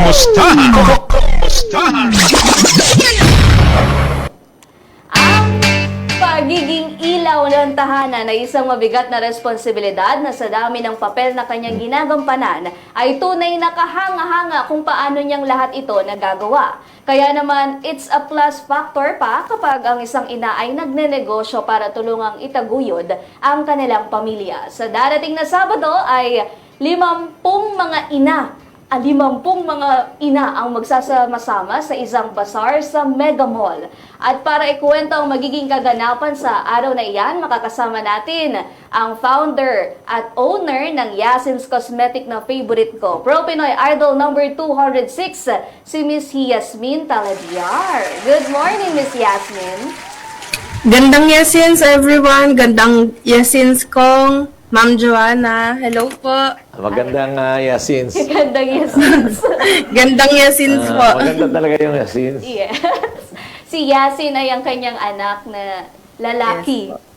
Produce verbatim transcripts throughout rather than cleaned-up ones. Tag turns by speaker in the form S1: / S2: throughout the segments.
S1: Kumustahan? Kumustahan?
S2: Ang pagiging ilaw ng tahanan ay isang mabigat na responsibilidad na sa dami ng papel na kanyang ginagampanan ay tunay na kahanga-hanga kung paano niyang lahat ito nagagawa. Kaya naman, it's a plus factor pa kapag ang isang ina ay nagnenegosyo para tulungang itaguyod ang kanilang pamilya. Sa darating na Sabado ay limampung mga ina Ang limampung mga ina ang magsasama-sama sa isang bazaar sa Mega Mall. At para ikuwento ang magiging kaganapan sa araw na iyan, makakasama natin ang founder at owner ng Yasin's Cosmetic na favorite ko, Pro Pinoy Idol number two oh six, si Miss Yasmin Talabiar. Good morning, Miss Yasmin.
S3: Gandang Yasins everyone, gandang Yasins kong Ma'am Joanna, hello po.
S4: Magandang uh, Yasins.
S2: Gandang Yasins.
S3: Gandang Yasins
S4: Ah,
S3: po.
S4: maganda talaga yung Yasins.
S2: Yes. Si Yasin ay ang kanyang anak na lalaki.
S3: Yes po.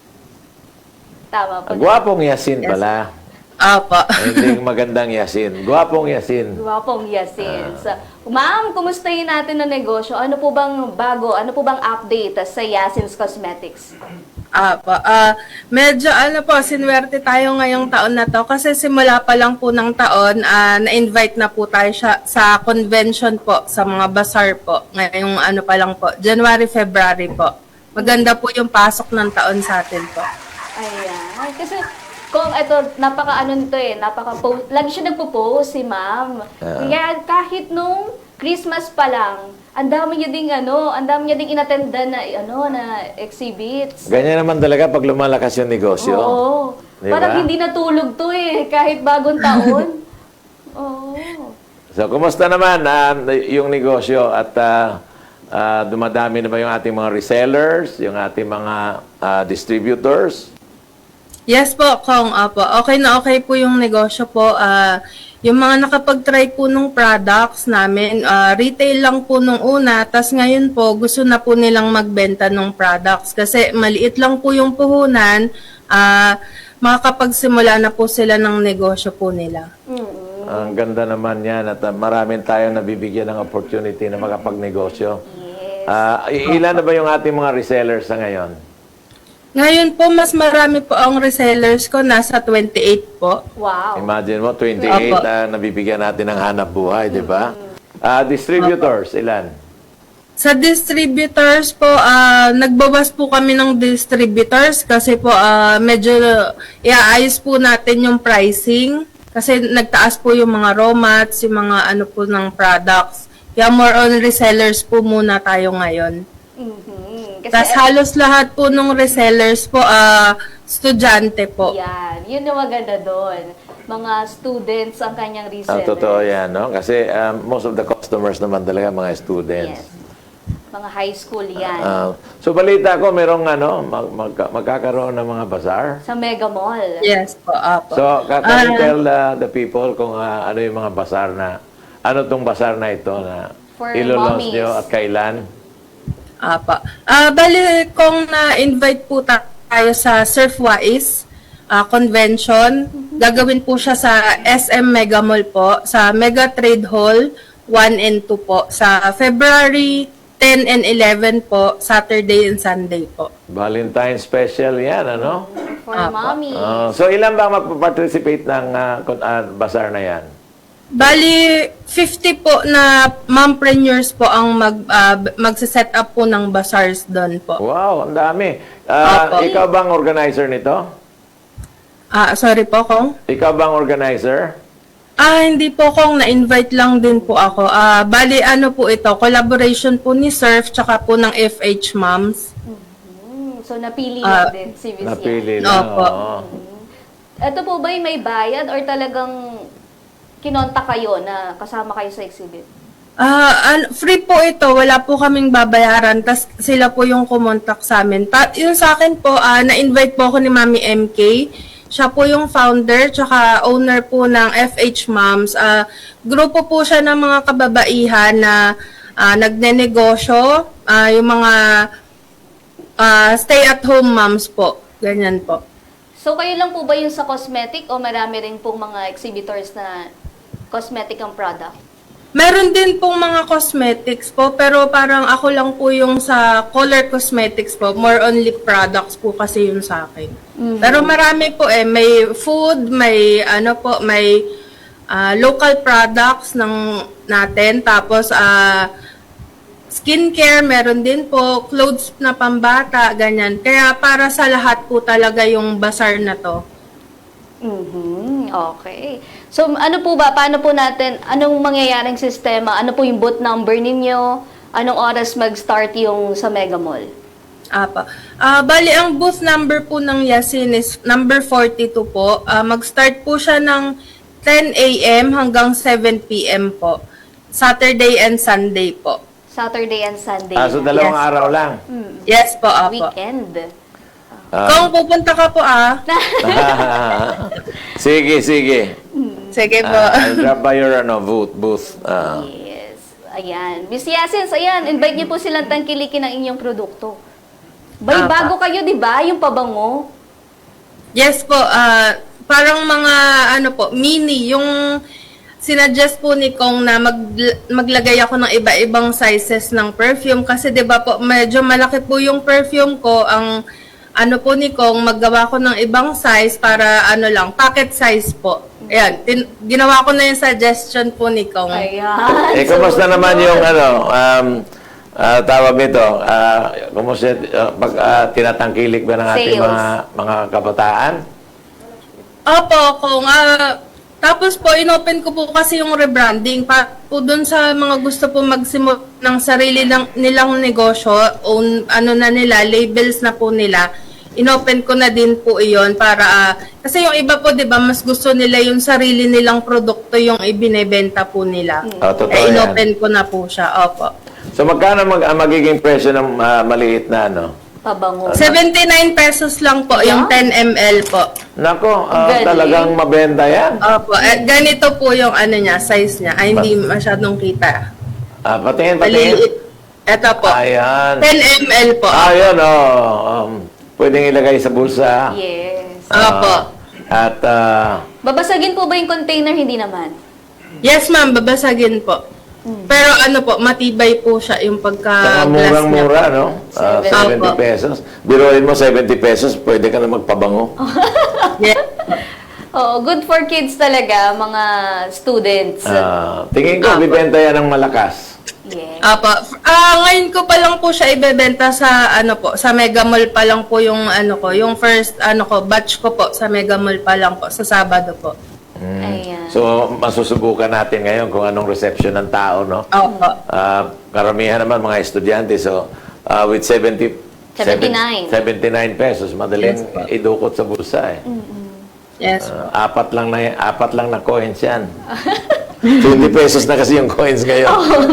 S2: Tama po.
S4: Gwapong Yasin
S3: Yes.
S4: pala.
S3: Opo.
S4: Hindi magandang Yasin. Gwapong Yasin.
S2: Gwapong Yasin. So, ma'am, kumustahin natin ang negosyo? Ano po bang bago? Ano po bang update sa Yasin's Cosmetics?
S3: Opo. Ah, medyo ano po, sinwerte tayo ngayong taon na to kasi simula pa lang po ng taon, ah, na-invite na po tayo siya, sa convention po, sa mga bazaar po. Ngayong ano pa lang po, January, February po. Maganda po yung pasok ng taon sa atin po.
S2: Ayan. Kasi kung ito, napaka ano nito eh, napaka post, lagi siya nagpo-post si ma'am.
S4: Ah.
S2: Kaya kahit nung Christmas pa lang, ang dami niya ding ano, ang dami niya ding inattendan na ano na exhibits.
S4: Ganyan naman talaga pag lumalakas yung negosyo.
S2: Oo.
S4: Di
S2: Parang
S4: ba?
S2: hindi natulog to eh, kahit bagong taon. Oo.
S4: So, kumusta naman ah, yung negosyo at ah, ah, dumadami na ba yung ating mga resellers, yung ating mga ah, distributors?
S3: Yes po, Kong. Opo. Okay na okay po yung negosyo po. Ah, yung mga nakapag-try po nung products namin, ah, retail lang po nung una, tas ngayon po gusto na po nilang magbenta ng products kasi maliit lang po yung puhunan, ah, makakapagsimula na po sila ng negosyo po nila.
S2: Mm-mm.
S4: Ang ganda naman yan at ah, maraming tayong nabibigyan ng opportunity na makapagnegosyo.
S2: Yes.
S4: Ah, ilan na ba yung ating mga resellers sa ngayon?
S3: Ngayon po, mas marami po ang resellers ko, nasa twenty-eight po.
S2: Wow.
S4: Imagine mo, twenty-eight
S3: Opo.
S4: ah, nabibigyan natin ng hanap buhay, di ba? Ah, distributors, ilan?
S3: Sa distributors po, ah, nagbawas po kami ng distributors kasi po ah, medyo iaayos po natin yung pricing kasi nagtaas po yung mga raw mats, yung mga ano po ng products. Kaya more on resellers po muna tayo ngayon.
S2: Mhm. Kasi
S3: Tapos halos lahat po ng resellers po, ah, estudyante po.
S2: yan, yun yung maganda doon. Mga students ang kanyang
S4: Ang
S2: resellers.
S4: totoo yan, no? Kasi um, most of the customers naman talaga mga students.
S2: Yes. Mga high school yan.
S4: Ah, so balita ko, merong ano, mag, mag- magkakaroon ng mga bazaar.
S2: sa Mega Mall.
S3: Yes po, apo.
S4: So, ka- can you
S3: Ah.
S4: tell uh, the people kung ah, ano yung mga bazaar na, ano tong bazaar na ito na
S2: For
S4: ilo-launch
S2: mommies.
S4: nyo at kailan?
S3: Apa. Ah, bali kung na-invite po ta- tayo sa Surfwise ah, convention, gagawin po siya sa S M Mega Mall po, sa Mega Trade Hall one and two po, sa February ten and eleven po, Saturday and Sunday po.
S4: Valentine special yan, ano?
S2: For
S3: Apo.
S2: mommy.
S4: Ah, so, ilan ba magpa-participate ng ah, kun- ah, bazaar na yan?
S3: Bali, fifty po na mompreneurs po ang mag, ah, b- magsiset up po ng bazaars doon po.
S4: Wow, ang dami. Ah,
S3: Opo.
S4: ikaw bang organizer nito?
S3: Ah, sorry po, Kong.
S4: Ikaw bang organizer?
S3: Ah, hindi po kung na-invite lang din po ako. Ah, bali ano po ito, collaboration po ni Surf tsaka po ng F H Moms.
S2: Hmm, so napili lang
S3: Ah,
S2: din si Miss
S4: Napili
S3: Yan.
S4: lang.
S3: Opo.
S4: oo.
S2: Ito po ba may bayad or talagang kinonta kayo na kasama kayo sa exhibit?
S3: Ah, an- free po ito, wala po kaming babayaran, tas sila po yung kumontak sa amin. Pa, yung sa akin po, ah, na-invite po ako ni Mami M K. Siya po yung founder tsaka owner po ng F H Moms. Ah, grupo po siya ng mga kababaihan na ah, nagnenegosyo, ah, yung mga ah, stay-at-home moms po. Ganyan po.
S2: So kayo lang po ba yung sa cosmetic o marami rin pong mga exhibitors na cosmetic ang product?
S3: Meron din pong mga cosmetics po, pero parang ako lang po yung sa color cosmetics po. More on lip products po kasi yun sa akin. Pero marami po eh. May food, may ano po, may ah, local products ng natin. Tapos ah, skincare, meron din po. Clothes na pambata, ganyan. Kaya para sa lahat po talaga yung bazaar na to.
S2: Mhm, okay. So, ano po ba, paano po natin, anong mangyayaring sistema, ano po yung booth number ninyo, anong oras mag-start yung sa Mega Mall?
S3: Apa. Ah, bali ang booth number po ng Yasin is number forty-two po. Ah, mag-start po siya ng ten a m hanggang seven p m po. Saturday and Sunday po.
S2: Saturday and Sunday.
S4: Ah, so dalawang
S3: Yes.
S4: araw lang.
S3: Yes po, apo.
S2: Weekend.
S3: Kung pupunta ka po ah.
S4: sige, sige.
S3: Sige po.
S4: Ah, I'll drop by your ano, booth. booth. Ah.
S2: Yes. Ayan. Miss Yasins, ayan, invite niyo po silang tangkilikin ng inyong produkto. Bay,
S3: Apa.
S2: bago kayo, di ba? Yung pabango.
S3: Yes po, ah parang mga ano po, mini, yung sinuggest po ni Kong na mag, maglagay ako ng iba-ibang sizes ng perfume kasi 'di ba po medyo malaki po yung perfume ko. Ang ano po ni Kong, maggawa ko ng ibang size para ano lang, pocket size po. Ayan, tin- ginawa ko na yung suggestion po ni Kong.
S2: Ayan.
S4: Eh, kumusta naman yung ano, um, ah, tawag nito, ah, kumusta, ah, pag ah, tinatangkilik ba ng ating
S2: Sales.
S4: mga, mga kabataan?
S3: Opo, Kong. Ah, tapos po, inopen ko po kasi yung rebranding pa po dun sa mga gusto po magsimula ng sarili lang, nilang negosyo, own, ano na nila, labels na po nila. Inopen ko na din po iyon para, ah, kasi yung iba po, di ba, mas gusto nila yung sarili nilang produkto yung ibinebenta po nila.
S4: Oh, totoo
S3: Eh,
S4: yan.
S3: inopen ko na po siya, opo.
S4: So magkano mag, ang magiging presyo ng ah, maliit na ano?
S2: Pabango.
S3: seventy-nine pesos lang po, yung ten milliliters po.
S4: Nako, ah,
S2: Galing.
S4: talagang mabenta yan.
S3: Opo, eh, ganito po yung ano niya, size niya. Ay, hindi masyadong kita.
S4: Ah, patingin, patingin.
S3: Maliliit. Ito po.
S4: Ayan.
S3: ten milliliters po.
S4: Ayun, oh. Um, pwedeng ilagay sa bulsa.
S2: Yes.
S4: Ah,
S3: Opo.
S4: at, ah,
S2: Babasagin po ba yung container? Hindi naman.
S3: Yes, ma'am, babasagin po. Pero ano po, matibay po siya yung
S4: saka
S3: pagka-glass niya.
S4: murang-mura, no? Ah,
S2: Seven.
S4: seventy
S3: Opo.
S4: pesos. Biruin mo, seventy pesos, pwede ka na magpabango.
S3: Yes.
S2: Oo, good for kids talaga, mga students.
S4: Ah, tingin ko,
S3: Opo.
S4: bibenta yan ng malakas.
S2: Yes.
S3: Apo. Ah, ngayon ko pa lang po siya ibebenta sa ano po, sa Mega Mall pa lang po yung ano ko, yung first ano ko, batch ko po sa Mega Mall pa lang po sa Sabado po.
S2: Ayan.
S4: So, masusubukan natin ngayon kung anong reception ng tao, no?
S3: Opo.
S4: Ah, karamihan naman mga estudyante. So, ah, with seventy,
S2: seventy-nine.
S4: seventy-nine pesos, madaling
S3: Yes, po.
S4: idukot sa bulsa eh.
S3: Yes.
S4: Ah, apat lang na apat lang na coins yan. twenty pesos na kasi yung coins ngayon.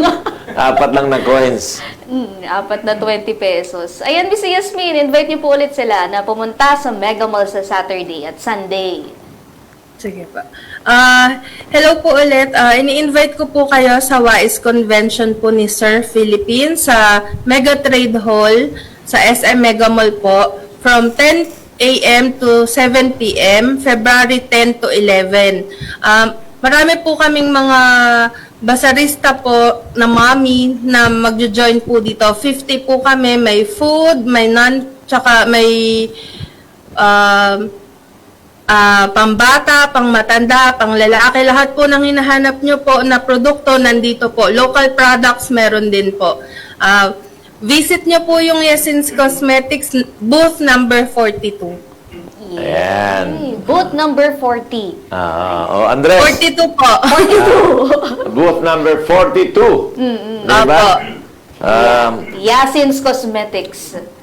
S4: Apat lang na coins.
S2: Mm, apat na twenty pesos. Ayan, Miss Yasmin, invite niyo po ulit sila na pumunta sa Mega Mall sa Saturday at Sunday.
S3: Sige pa. Ah, hello po ulit. Ah, ini-invite ko po kayo sa W A I S Convention po ni Sir Philippines sa Mega Trade Hall sa S M Mega Mall po from ten a m to seven p m February ten to eleven. Um, marami po kaming mga basarista po na mami na magjo-join po dito. fifty po kami. May food, may non, tsaka may um, Ah, pambata, pangmatanda, panglalaki, lahat po ng hinahanap nyo po na produkto nandito po. Local products meron din po. Ah, visit nyo po yung Yasin's Cosmetics booth number forty-two.
S4: Ayan.
S2: Yay. Booth number forty.
S4: Ah, oh, Andres.
S3: forty-two po.
S4: Booth number forty-two.
S2: Mm-mm.
S4: Diba?
S3: Opo.
S4: Um,
S2: Yasin's Cosmetics.